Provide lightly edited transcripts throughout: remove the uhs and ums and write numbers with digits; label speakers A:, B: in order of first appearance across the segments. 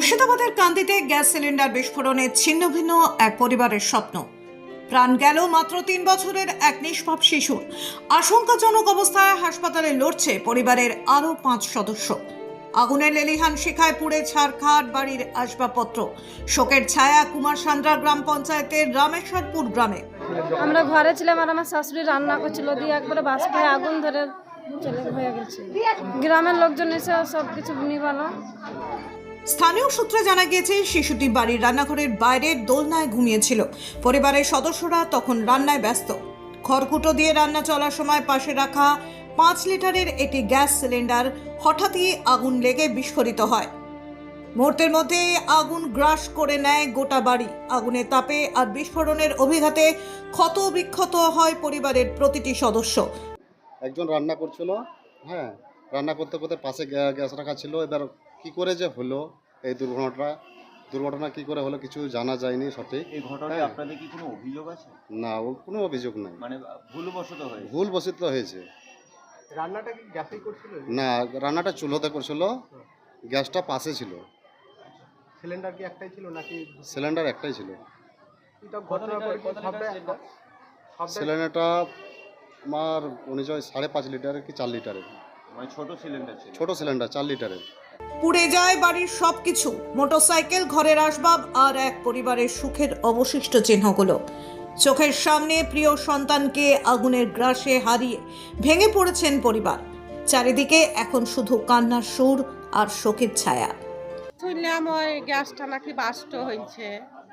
A: মুর্শিদাবাদের কান্দিতে gas cylinder বিস্ফোরণে ছিন্নভিন্ন এক পরিবারের স্বপ্ন। প্রাণ গেল মাত্র 3 বছরের এক নিষ্পাপ শিশুর। আশঙ্কাজনক অবস্থায় হাসপাতালে লড়ছে পরিবারের আরও 5 সদস্য। আগুনের লেলিহান শিখায় পুড়ে ছারখার বাড়ির আসবাবপত্র। শোকের ছায়া কুমার সান্দ্রা গ্রাম পঞ্চায়েতের রামেশ্বরপুর গ্রামে।
B: আমরা ঘরে ছিলাম আর আমার শাশুড়ি রান্না করছিল, দিয়ে একবারে বাষ্পায় আগুন ধরে চলে হয়ে গেছে। গ্রামের লোকজন এসে সব কিছু নিভালো।
A: স্থানীয় সূত্রে জানা গিয়েছে শিশুটি বাড়ির রান্নাঘরের বাইরের দোলনায় ঘুমিয়েছিল। পরিবারের সদস্যরা তখন রান্নায় ব্যস্ত। খড়কুটো দিয়ে রান্না চলার সময় পাশে রাখা 5 লিটারের একটি গ্যাস সিলিন্ডার হঠাৎই আগুন লেগে বিস্ফোরিত হয়। মুহূর্তের মধ্যে আগুন গ্রাস করে নেয় গোটা বাড়ি। আগুনের তাপে আর বিস্ফোরণের অভিঘাতে ক্ষত বিক্ষত হয় পরিবারের প্রতিটি সদস্য।
C: একজন রান্না করছিল, রান্না করতে করতে পাশে গ্যাস রাখা ছিল। এবার কি করে যে হলো এই দুর্ঘটনা কি করে হলো কিছু জানা যায়নি সঠিক।
D: এই ঘটনায় আপনাদের কি কোনো অভিযোগ আছে?
C: না, ও কোনো অভিযোগ নাই,
D: মানে
C: ভুলবশত হয়েছে।
E: রান্নাটা কি গ্যাসেই করছিল?
C: না, রান্নাটা চুলোতে করছিল, গ্যাসটা পাশে ছিল।
E: সিলিন্ডার কি একটাই ছিল নাকি?
C: সিলিন্ডার একটাই ছিল।
E: এটা ঘটনার পরে কি
C: সিলিন্ডারটা আমার অনুযায়ী 5.5 লিটারের কি 4 লিটারের,
D: মানে ছোট সিলিন্ডার ছিল।
C: ছোট সিলিন্ডার 4 লিটারের।
A: পুড়ে যায় বাড়ির সবকিছু, মোটরসাইকেল, ঘরের আসবাব আর এক পরিবারের সুখের অবশিষ্ট চিহ্নগুলো। চোখের সামনে প্রিয় সন্তানকে আগুনের গ্রাসে হারিয়ে ভেঙে পড়েছেন পরিবার। চারিদিকে এখন শুধু কান্নার সুর আর শোকের ছায়া।
B: শুনলাম ওই গ্যাসটা নাকি বাস্ট হয়েছে,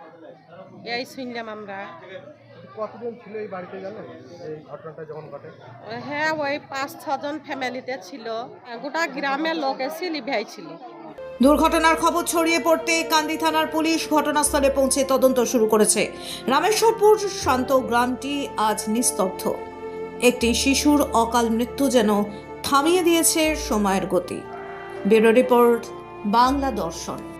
B: এই শুনলাম আমরা।
E: কতজন ছিল এই বাড়িতে জানেন এই ঘটনাটা যখন ঘটে?
B: হ্যাঁ, ওই 5-6 জন ফ্যামিলিতে ছিল, গোটা গ্রামের লোক এসে লিভাই ছিল।
A: দুর্ঘটনার খবর ছড়িয়ে পড়তে কান্দি থানার পুলিশ ঘটনাস্থলে পৌঁছে তদন্ত শুরু করেছে। রামেশ্বরপুর শান্ত গ্রামটি আজ নিস্তব্ধ। একটি শিশুর অকাল মৃত্যু যেন থামিয়ে দিয়েছে সময়ের গতি। ব্যুরো রিপোর্ট, বাংলা দর্শন।